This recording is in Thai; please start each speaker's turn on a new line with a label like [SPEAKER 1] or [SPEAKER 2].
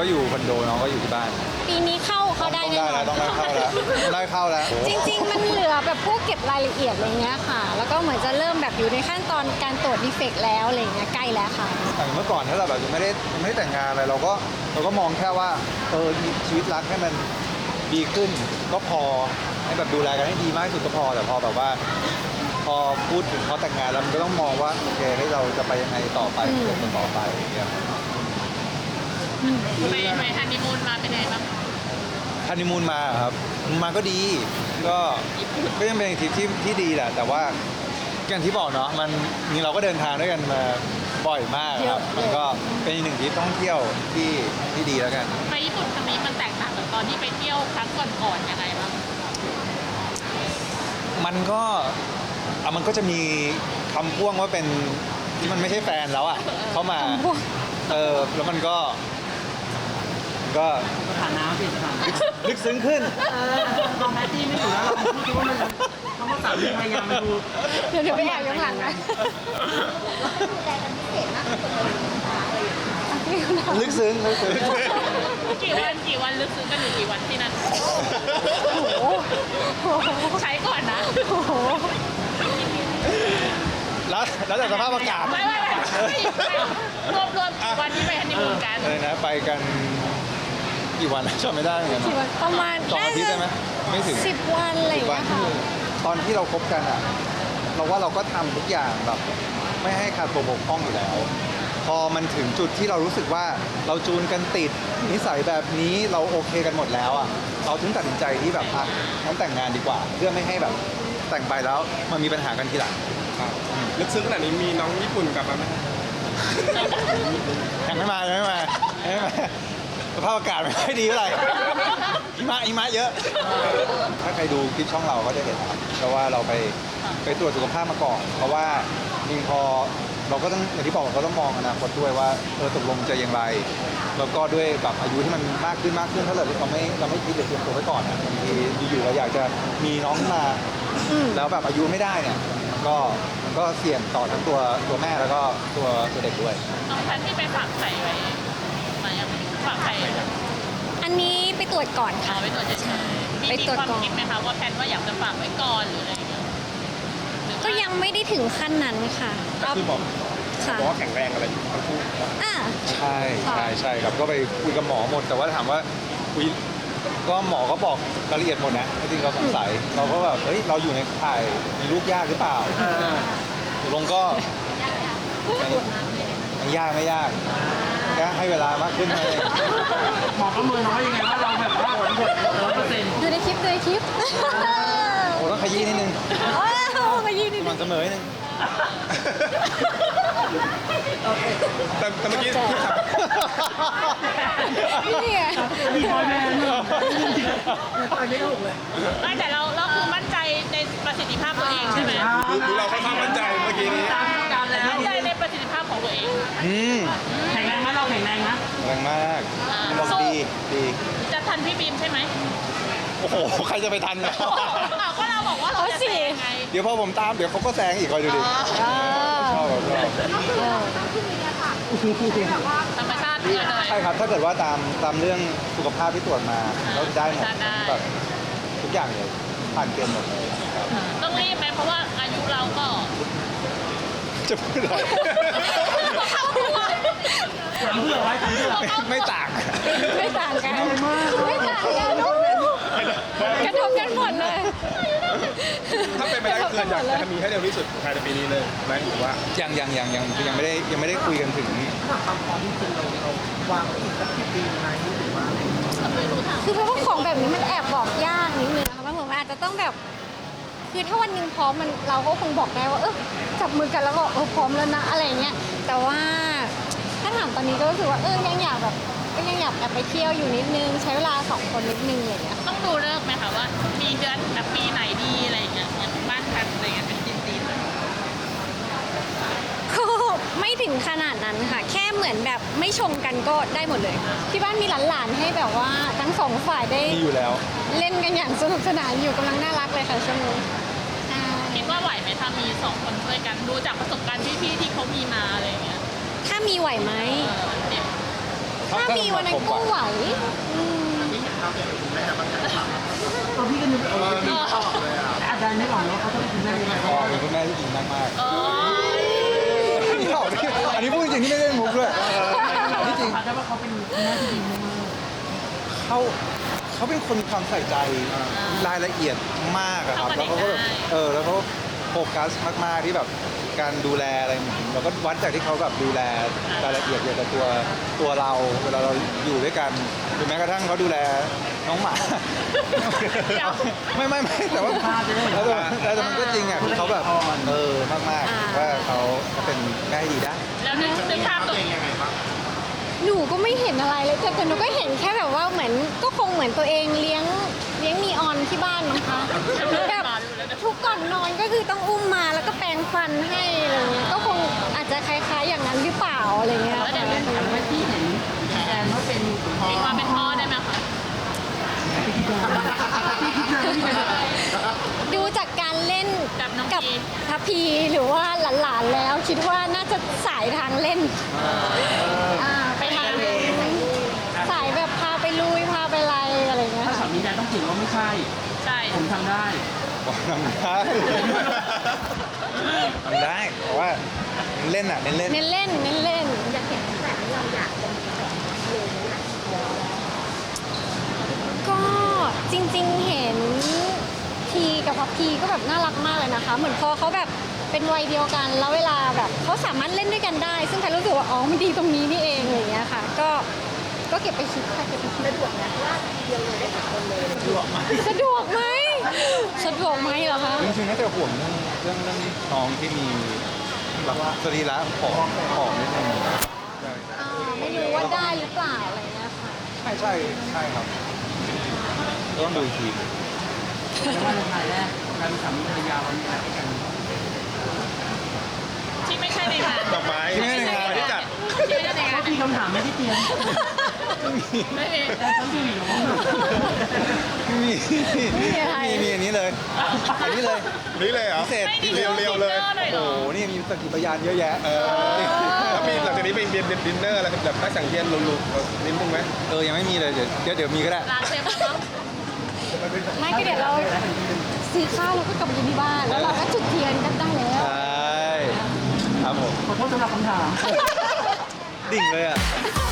[SPEAKER 1] ก็อยู่คอนโดน้องก็อยู่ที่บ้าน
[SPEAKER 2] ปีนี้เข้าได้
[SPEAKER 1] ต้อง
[SPEAKER 2] แน่
[SPEAKER 1] ได้
[SPEAKER 2] นอ
[SPEAKER 1] แล้ว
[SPEAKER 2] น
[SPEAKER 1] ต้องได้เข้าแล้วได้เข้าแล้ว
[SPEAKER 2] จริงๆมันเหลือแบบพวกเก็บรายละเอียดอะไรเงี้ยค่ะ แล้วก็เหมือนจะเริ่มแบบอยู่ในขั้นตอนการตรวจดีเฟกต์แล้วอะไรเงี้ยใกล้แล้วค่ะ
[SPEAKER 1] อย่างเมื่อก่อนถ้าเราแบบยังไม่ได้แต่งงานอะไรเราก็มองแค่ว่าชีวิตรักให้มันดีขึ้นก็พอให้แบบดูแลกันให้ดีมากที่สุดก็พอแต่พอแบบว่า พอพูดถึงเขาแต่งงานแล้วมันก็ต้องมองว่าโอเคให้เราจะไปยังไงต่อไปต่อไปอย่างเงี้ย
[SPEAKER 3] ไปฮันนีมูนมาเป็นไงบ้าง
[SPEAKER 1] ฮันนีมูนมาครับมาก็ดีก็ยังเป็นทริปที่ดีแหละแต่ว่าอย่างที่บอกเนาะมันนี่เราก็เดินทางด้วยกันมาบ่อยมากครับมันก็เป็นอีกหนึ่งทริปท่องเที่ยวที่ดีแล้วกัน
[SPEAKER 3] ไปญี่ปุ่นครั้งนี้มันแตกต่างจากตอนที่ไปเที่ยวครั้งก่อนๆยังไงบ้าง
[SPEAKER 1] มันก็จะมีคำพ่วงว่าเป็นที่มันไม่ใช่แฟนแล้วอ่ะเข้ามาแล้วมันก็
[SPEAKER 4] สถานะเปลี่ยนสถานะ
[SPEAKER 1] ลึกซึ้งขึ้น
[SPEAKER 4] ลองแพตตี้ไม่อยู่แล้วเราพูดว่ามันคำว่าสามีภรรยามันดู
[SPEAKER 2] เดี๋ยวไปแอบย้อนหลังนะ
[SPEAKER 1] ลึกซึ้ง
[SPEAKER 3] กี่วันลึกซึ้งกันอยู่กี่วันที่นั่นใช้ก่อนนะ
[SPEAKER 1] แล้วแต่สภาพอากาศ
[SPEAKER 3] ไม่รวมกี่วันที่ไปฮันนีมูนกัน
[SPEAKER 1] เลยนะไปกันกี่วันจำไม่ได้เหมือนกัน
[SPEAKER 2] ประมาณ
[SPEAKER 1] 2 อาทิตย์ได้ไหมไม่ถึง
[SPEAKER 2] 10 วันอะไรอย่างเงี้ยค่ะ
[SPEAKER 1] ตอนที่เราคบกันอ่ะเราว่าเราก็ทำทุกอย่างแบบไม่ให้ขาดตัวบกพร่องอยู่แล้ว พอมันถึงจุดที่เรารู้สึกว่าเราจูนกันติดนิสัยแบบนี้เราโอเคกันหมดแล้วอ่ะเราถึงตัดสินใจที่แบบงั้นแต่งงานดีกว่าเพื่อไม่ให้แบบแต่งไปแล้วมันมีปัญหากันทีหลัง
[SPEAKER 5] ลึกซึ้งขนาดนี้มีน้องญี่ปุ่นกลับมาไหม
[SPEAKER 1] ยังไม่มาสภาพอากาศไม่ค่อยดีเท่าไหร่หิมะเยอะถ้าใครดูคลิปช่องเราก็จะเห็นครับเพราะว่าเราไปตรวจสุขภาพมาก่อนเพราะว่าจริงพอเราก็ต้องอย่างที่บอกเราต้องมองอนาคตด้วยว่าตกลงจะอย่างไรแล้วก็ด้วยแบบอายุที่มันมากขึ้นถ้าเราไม่คิดหรือเตรียมตัวไว้ก่อนบางทีอยู่ๆเราอยากจะมีน้องมาแล้วแบบอายุไม่ได้เนี่ยก็เสี่ยงต่อทั้งตัวแม่แล้วก็ตัวเด็กด้วย
[SPEAKER 3] น้องแพนที่ไปฝากไข่ไว้มายังฝากไข่
[SPEAKER 2] อันนี้ไปตรวจก่อนค่ะ
[SPEAKER 3] ไปตรวจเฉยๆมีความคิดไหมคะว่าแพนว่าอยากจะฝากไว้ก่อนหรืออะไรอย่างเงี้ย
[SPEAKER 2] ก็ยังไม่ได้ถึงขั้นนั้นค่ะ
[SPEAKER 5] คือบอกว่าแข็งแรงอะไรทั้งคู่
[SPEAKER 1] ใช่ครับก็ไปคุยกับหมอหมดแต่ว่าถามว่าคุยก็หมอก็บอกรายละเอียดหมดนะจริงเราสงสัยเราก็แบบเราอยู่ในข่ายมีลูกยากหรือเปล่าลงก็ไม่ยากแค่ให้เวลามากขึ้นเลย
[SPEAKER 4] หมอประเมินน้อยยังไงว่าเราแบบว่าผล100%
[SPEAKER 2] ดูในคลิป
[SPEAKER 1] โอ้ต้องขยี้นิดนึง
[SPEAKER 2] ขยี้นิดนึง
[SPEAKER 1] มันเสมอนิดนึง
[SPEAKER 5] แต่เมื่อกี้
[SPEAKER 2] นี่ไง
[SPEAKER 4] มีบอยแบนด์ไม่ถูกเลย
[SPEAKER 3] แต่เราคือมั่นใจในประสิทธิภาพตัวเองใช่ไหม
[SPEAKER 5] ดูเราค่อนข้างมั่นใจเมื่อกี้นี้
[SPEAKER 3] มั่นใจในประสิทธิภาพของตัวเอง
[SPEAKER 4] แข็งแรงไหมเราแข็งแรงนะ
[SPEAKER 1] แรงมากบอกดี
[SPEAKER 3] จะทันพี่บีมใช่ไหม
[SPEAKER 1] โอ้โหใครจะไปทันเนี่ย
[SPEAKER 3] ก็เราบอกว่าเราจะแซงไง
[SPEAKER 1] เดี๋ยวพอผมตามเดี๋ยวเขาก็แซงอีกคอยดูดิชอบ
[SPEAKER 3] ธรรมชาติเลย
[SPEAKER 1] ใช่ครับถ้าเกิดว่าตามเรื่องสุขภาพที่ตรวจมาเราได้หมดแบบทุกอย่างเลยผ่านเกณฑ์หมดเลย
[SPEAKER 3] ต้องรีบไหมเพราะว่าอายุเราก็
[SPEAKER 1] จะพูดอะไร
[SPEAKER 4] ถามเผื่อไว้
[SPEAKER 1] ไม่ต่าง
[SPEAKER 2] กันไม่ต่างกันกระทบกันหมดเลย
[SPEAKER 5] ถ้าเป็นไปได้คืออยากจะมีให้เร็วที่สุดภายในปีนี้เลยไหมหรือว่า
[SPEAKER 1] ยังไม่ได้คุยกันถึง
[SPEAKER 4] ความพร้อมจริงเราวางอีกสักกี่ปีไหมหรือว่า
[SPEAKER 2] คือเพราะว่าของแบบนี้มันแอบบอกยากนิดนึงนะคะผมอาจจะต้องแบบคือถ้าวันนึงพร้อมเราก็คงบอกได้ว่าจับมือกันแล้วก็พร้อมแล้วนะอะไรเงี้ยแต่ว่าถ้าถามตอนนี้ก็รู้สึกว่ายังอยากแบบก็ยังอยากไปเที่ยวอยู่นิดนึงใช้เวลา2 คนนิดนึงอะไรเงี้ย
[SPEAKER 3] ต้องดูเลิกไหมคะว่ามีเดือนแบบปีไหนดีอะไรเงี้ยบ้านกันอะไรเงี้ยเป็นจีนเลย
[SPEAKER 2] ก็ไม่ถึงขนาดนั้นค่ะแค่เหมือนแบบไม่ชงกันก็ได้หมดเลยที่บ้านมีหลานๆให้แบบว่าทั้ง2 ฝ่ายได้
[SPEAKER 1] อยู่แล้ว
[SPEAKER 2] เล่นกันอย่างสนุกสนานอยู่กำลังน่ารักเลยค่ะช่วงนี้
[SPEAKER 3] คิดว่าไหวไหมถ้ามี2 คนช่วยกันดูจากประสบการณ์พี่ๆที่เขามีมาอะไรเงี้ย
[SPEAKER 2] ถ้ามีไหวไหมถ้ามีวันนั้นก็ไหวอืม
[SPEAKER 4] ตัวพี่ก็นึกแต่อาจารย์ไม่ออกแล้วเขาต้องเป็นคุณแม่ยังไง
[SPEAKER 1] พ่อเป็นคุณแม่ที่จริงมากมาก
[SPEAKER 3] โอ้ย
[SPEAKER 1] อันนี้พูดจริงที่ไม่ได้มุกด้วยที่จริง
[SPEAKER 4] อาจจะว่าเขาเป็นคุณแม่ที่ดีมาก
[SPEAKER 1] เขาเป็นคนมีความใส่ใจรายละเอียดมากอะครับแล้วเขาก็แบบแล้วเขาโฟกัสมากๆที่แบบการดูแลอะไรเราก็วัดจากที่เขาแบบดูแลรายละเอียดเกี่ยวกับตัวเราเวลาเราอยู่ด้วยกันหรือแม้กระทั่งเขาดูแลน้องหมาไม่แต่ว่าแต่มันก็จริงอ่ะคือเขาแบบมากๆว่าเขาเป็นแม่ที่ดีได้
[SPEAKER 3] แล้วนึกภาพตัวเอง
[SPEAKER 2] หนูก็ไม่เห็นอะไรเลยแต่หนูก็เห็นแค่แบบว่าเหมือนก็คงเหมือนตัวเองเลี้ยงนีออนที่บ้านมั้งคะแบบทุกก่อนนอนก็คือต้องอุ้มมาแล้วก็แปรงฟันให้อะไรเงี้ยก็คงอาจจะคล้ายๆอย่างนั้นหรือเปล่าอะไรเงี้ย
[SPEAKER 3] แล้วเดี๋ยวเล่น
[SPEAKER 4] ๆแม่ที่เห็นแอนว่าเป็นพ่อ
[SPEAKER 3] มีความเป็นพ่อได้ไหมคะ
[SPEAKER 4] พี่คิดว่าพี่เป็น
[SPEAKER 2] ดูจากการเล่น
[SPEAKER 3] กับน้อง
[SPEAKER 2] กับ
[SPEAKER 3] พี
[SPEAKER 2] ทัพพีหรือว่าหลานๆแล้ว คิดว่าน่าจะสายทางเล่นไปทางสายแบบพาไปลุยพาไปอะไรอะไรเงี้ย
[SPEAKER 4] ถ้าสามีแดนต้องถือว่าไม่ใช่
[SPEAKER 3] ใช่
[SPEAKER 4] ผมทำได้
[SPEAKER 1] ทำได้เพราะว่าเล่นอ่ะเน้นเล่น
[SPEAKER 2] เน้นเล่นเน้นเล่นก็จริงๆเห็นพีกับพัพพีก็แบบน่ารักมากเลยนะคะ เหมือนพอเขาแบบเป็นวัยเดียวกัน แล้วเวลาแบบเขาสามารถเล่นด้วยกันได้ ซึ่งแพรรู้สึกว่าอ๋อมันดีตรงนี้นี่เองอะไรอย่างเงี้ยค่ะ ก็เก็บไปคิดค่ะเก็บไปคิดสะดวกนะว่าเดียวเลยได้สามคนเลยสะดวกไหมสะดวกไหมเหรอคะ
[SPEAKER 1] จริงๆน่าจะห่วงเรื่องน้องที่มีแบบสรีระผอมนิดนึง
[SPEAKER 2] ไม่รู้ว่าได้หรือเปล่าอะไรเงี้ยค่ะ
[SPEAKER 1] ใช่ครับต้องดูอีกที
[SPEAKER 4] แล้วว่าในภายแรกการมีสามีภรรยาเรามีอะไรกัน
[SPEAKER 3] ที่ไม่ใช่ในงาน
[SPEAKER 5] ดอกไม้
[SPEAKER 1] ที่ไม่ได้งาน
[SPEAKER 5] ที่จัด
[SPEAKER 3] ที่ไม่ใช่ในงาน
[SPEAKER 4] มีคำถามไม่ได้เตรียม
[SPEAKER 3] ไม่มี
[SPEAKER 4] แต่ต้องดูอยู่
[SPEAKER 1] มีอันนี้เลยอันนี้เลย
[SPEAKER 5] นี่เลยเหรอ
[SPEAKER 1] พิเศษ
[SPEAKER 3] ไม่ดี
[SPEAKER 5] เรียวๆเลย
[SPEAKER 3] เลยเหร
[SPEAKER 1] โอ้
[SPEAKER 3] อ
[SPEAKER 1] โหนี่มีสกิพยานเยอะแยะ
[SPEAKER 5] แล้วมีหลังจากนี้ไปเบียนดินเนอร์อะไรแบบนักสังเกตลุกๆนิดนึงไหม
[SPEAKER 1] ยังไม่มีเลยเดี๋ยวมีก็ได้
[SPEAKER 3] ร้านเซฟแล้ว
[SPEAKER 2] ไม่ก็เดี๋ยวเราซื้อข้าวแล้วก็กลับไปกินที่บ้าน แล้วเราก็จุดเทียนกันได้แล้ว
[SPEAKER 1] ใช่ครับผม
[SPEAKER 4] ขอโทษสำหรับคำถาม
[SPEAKER 1] ดิ่งเลยอ่ะ
[SPEAKER 2] ไ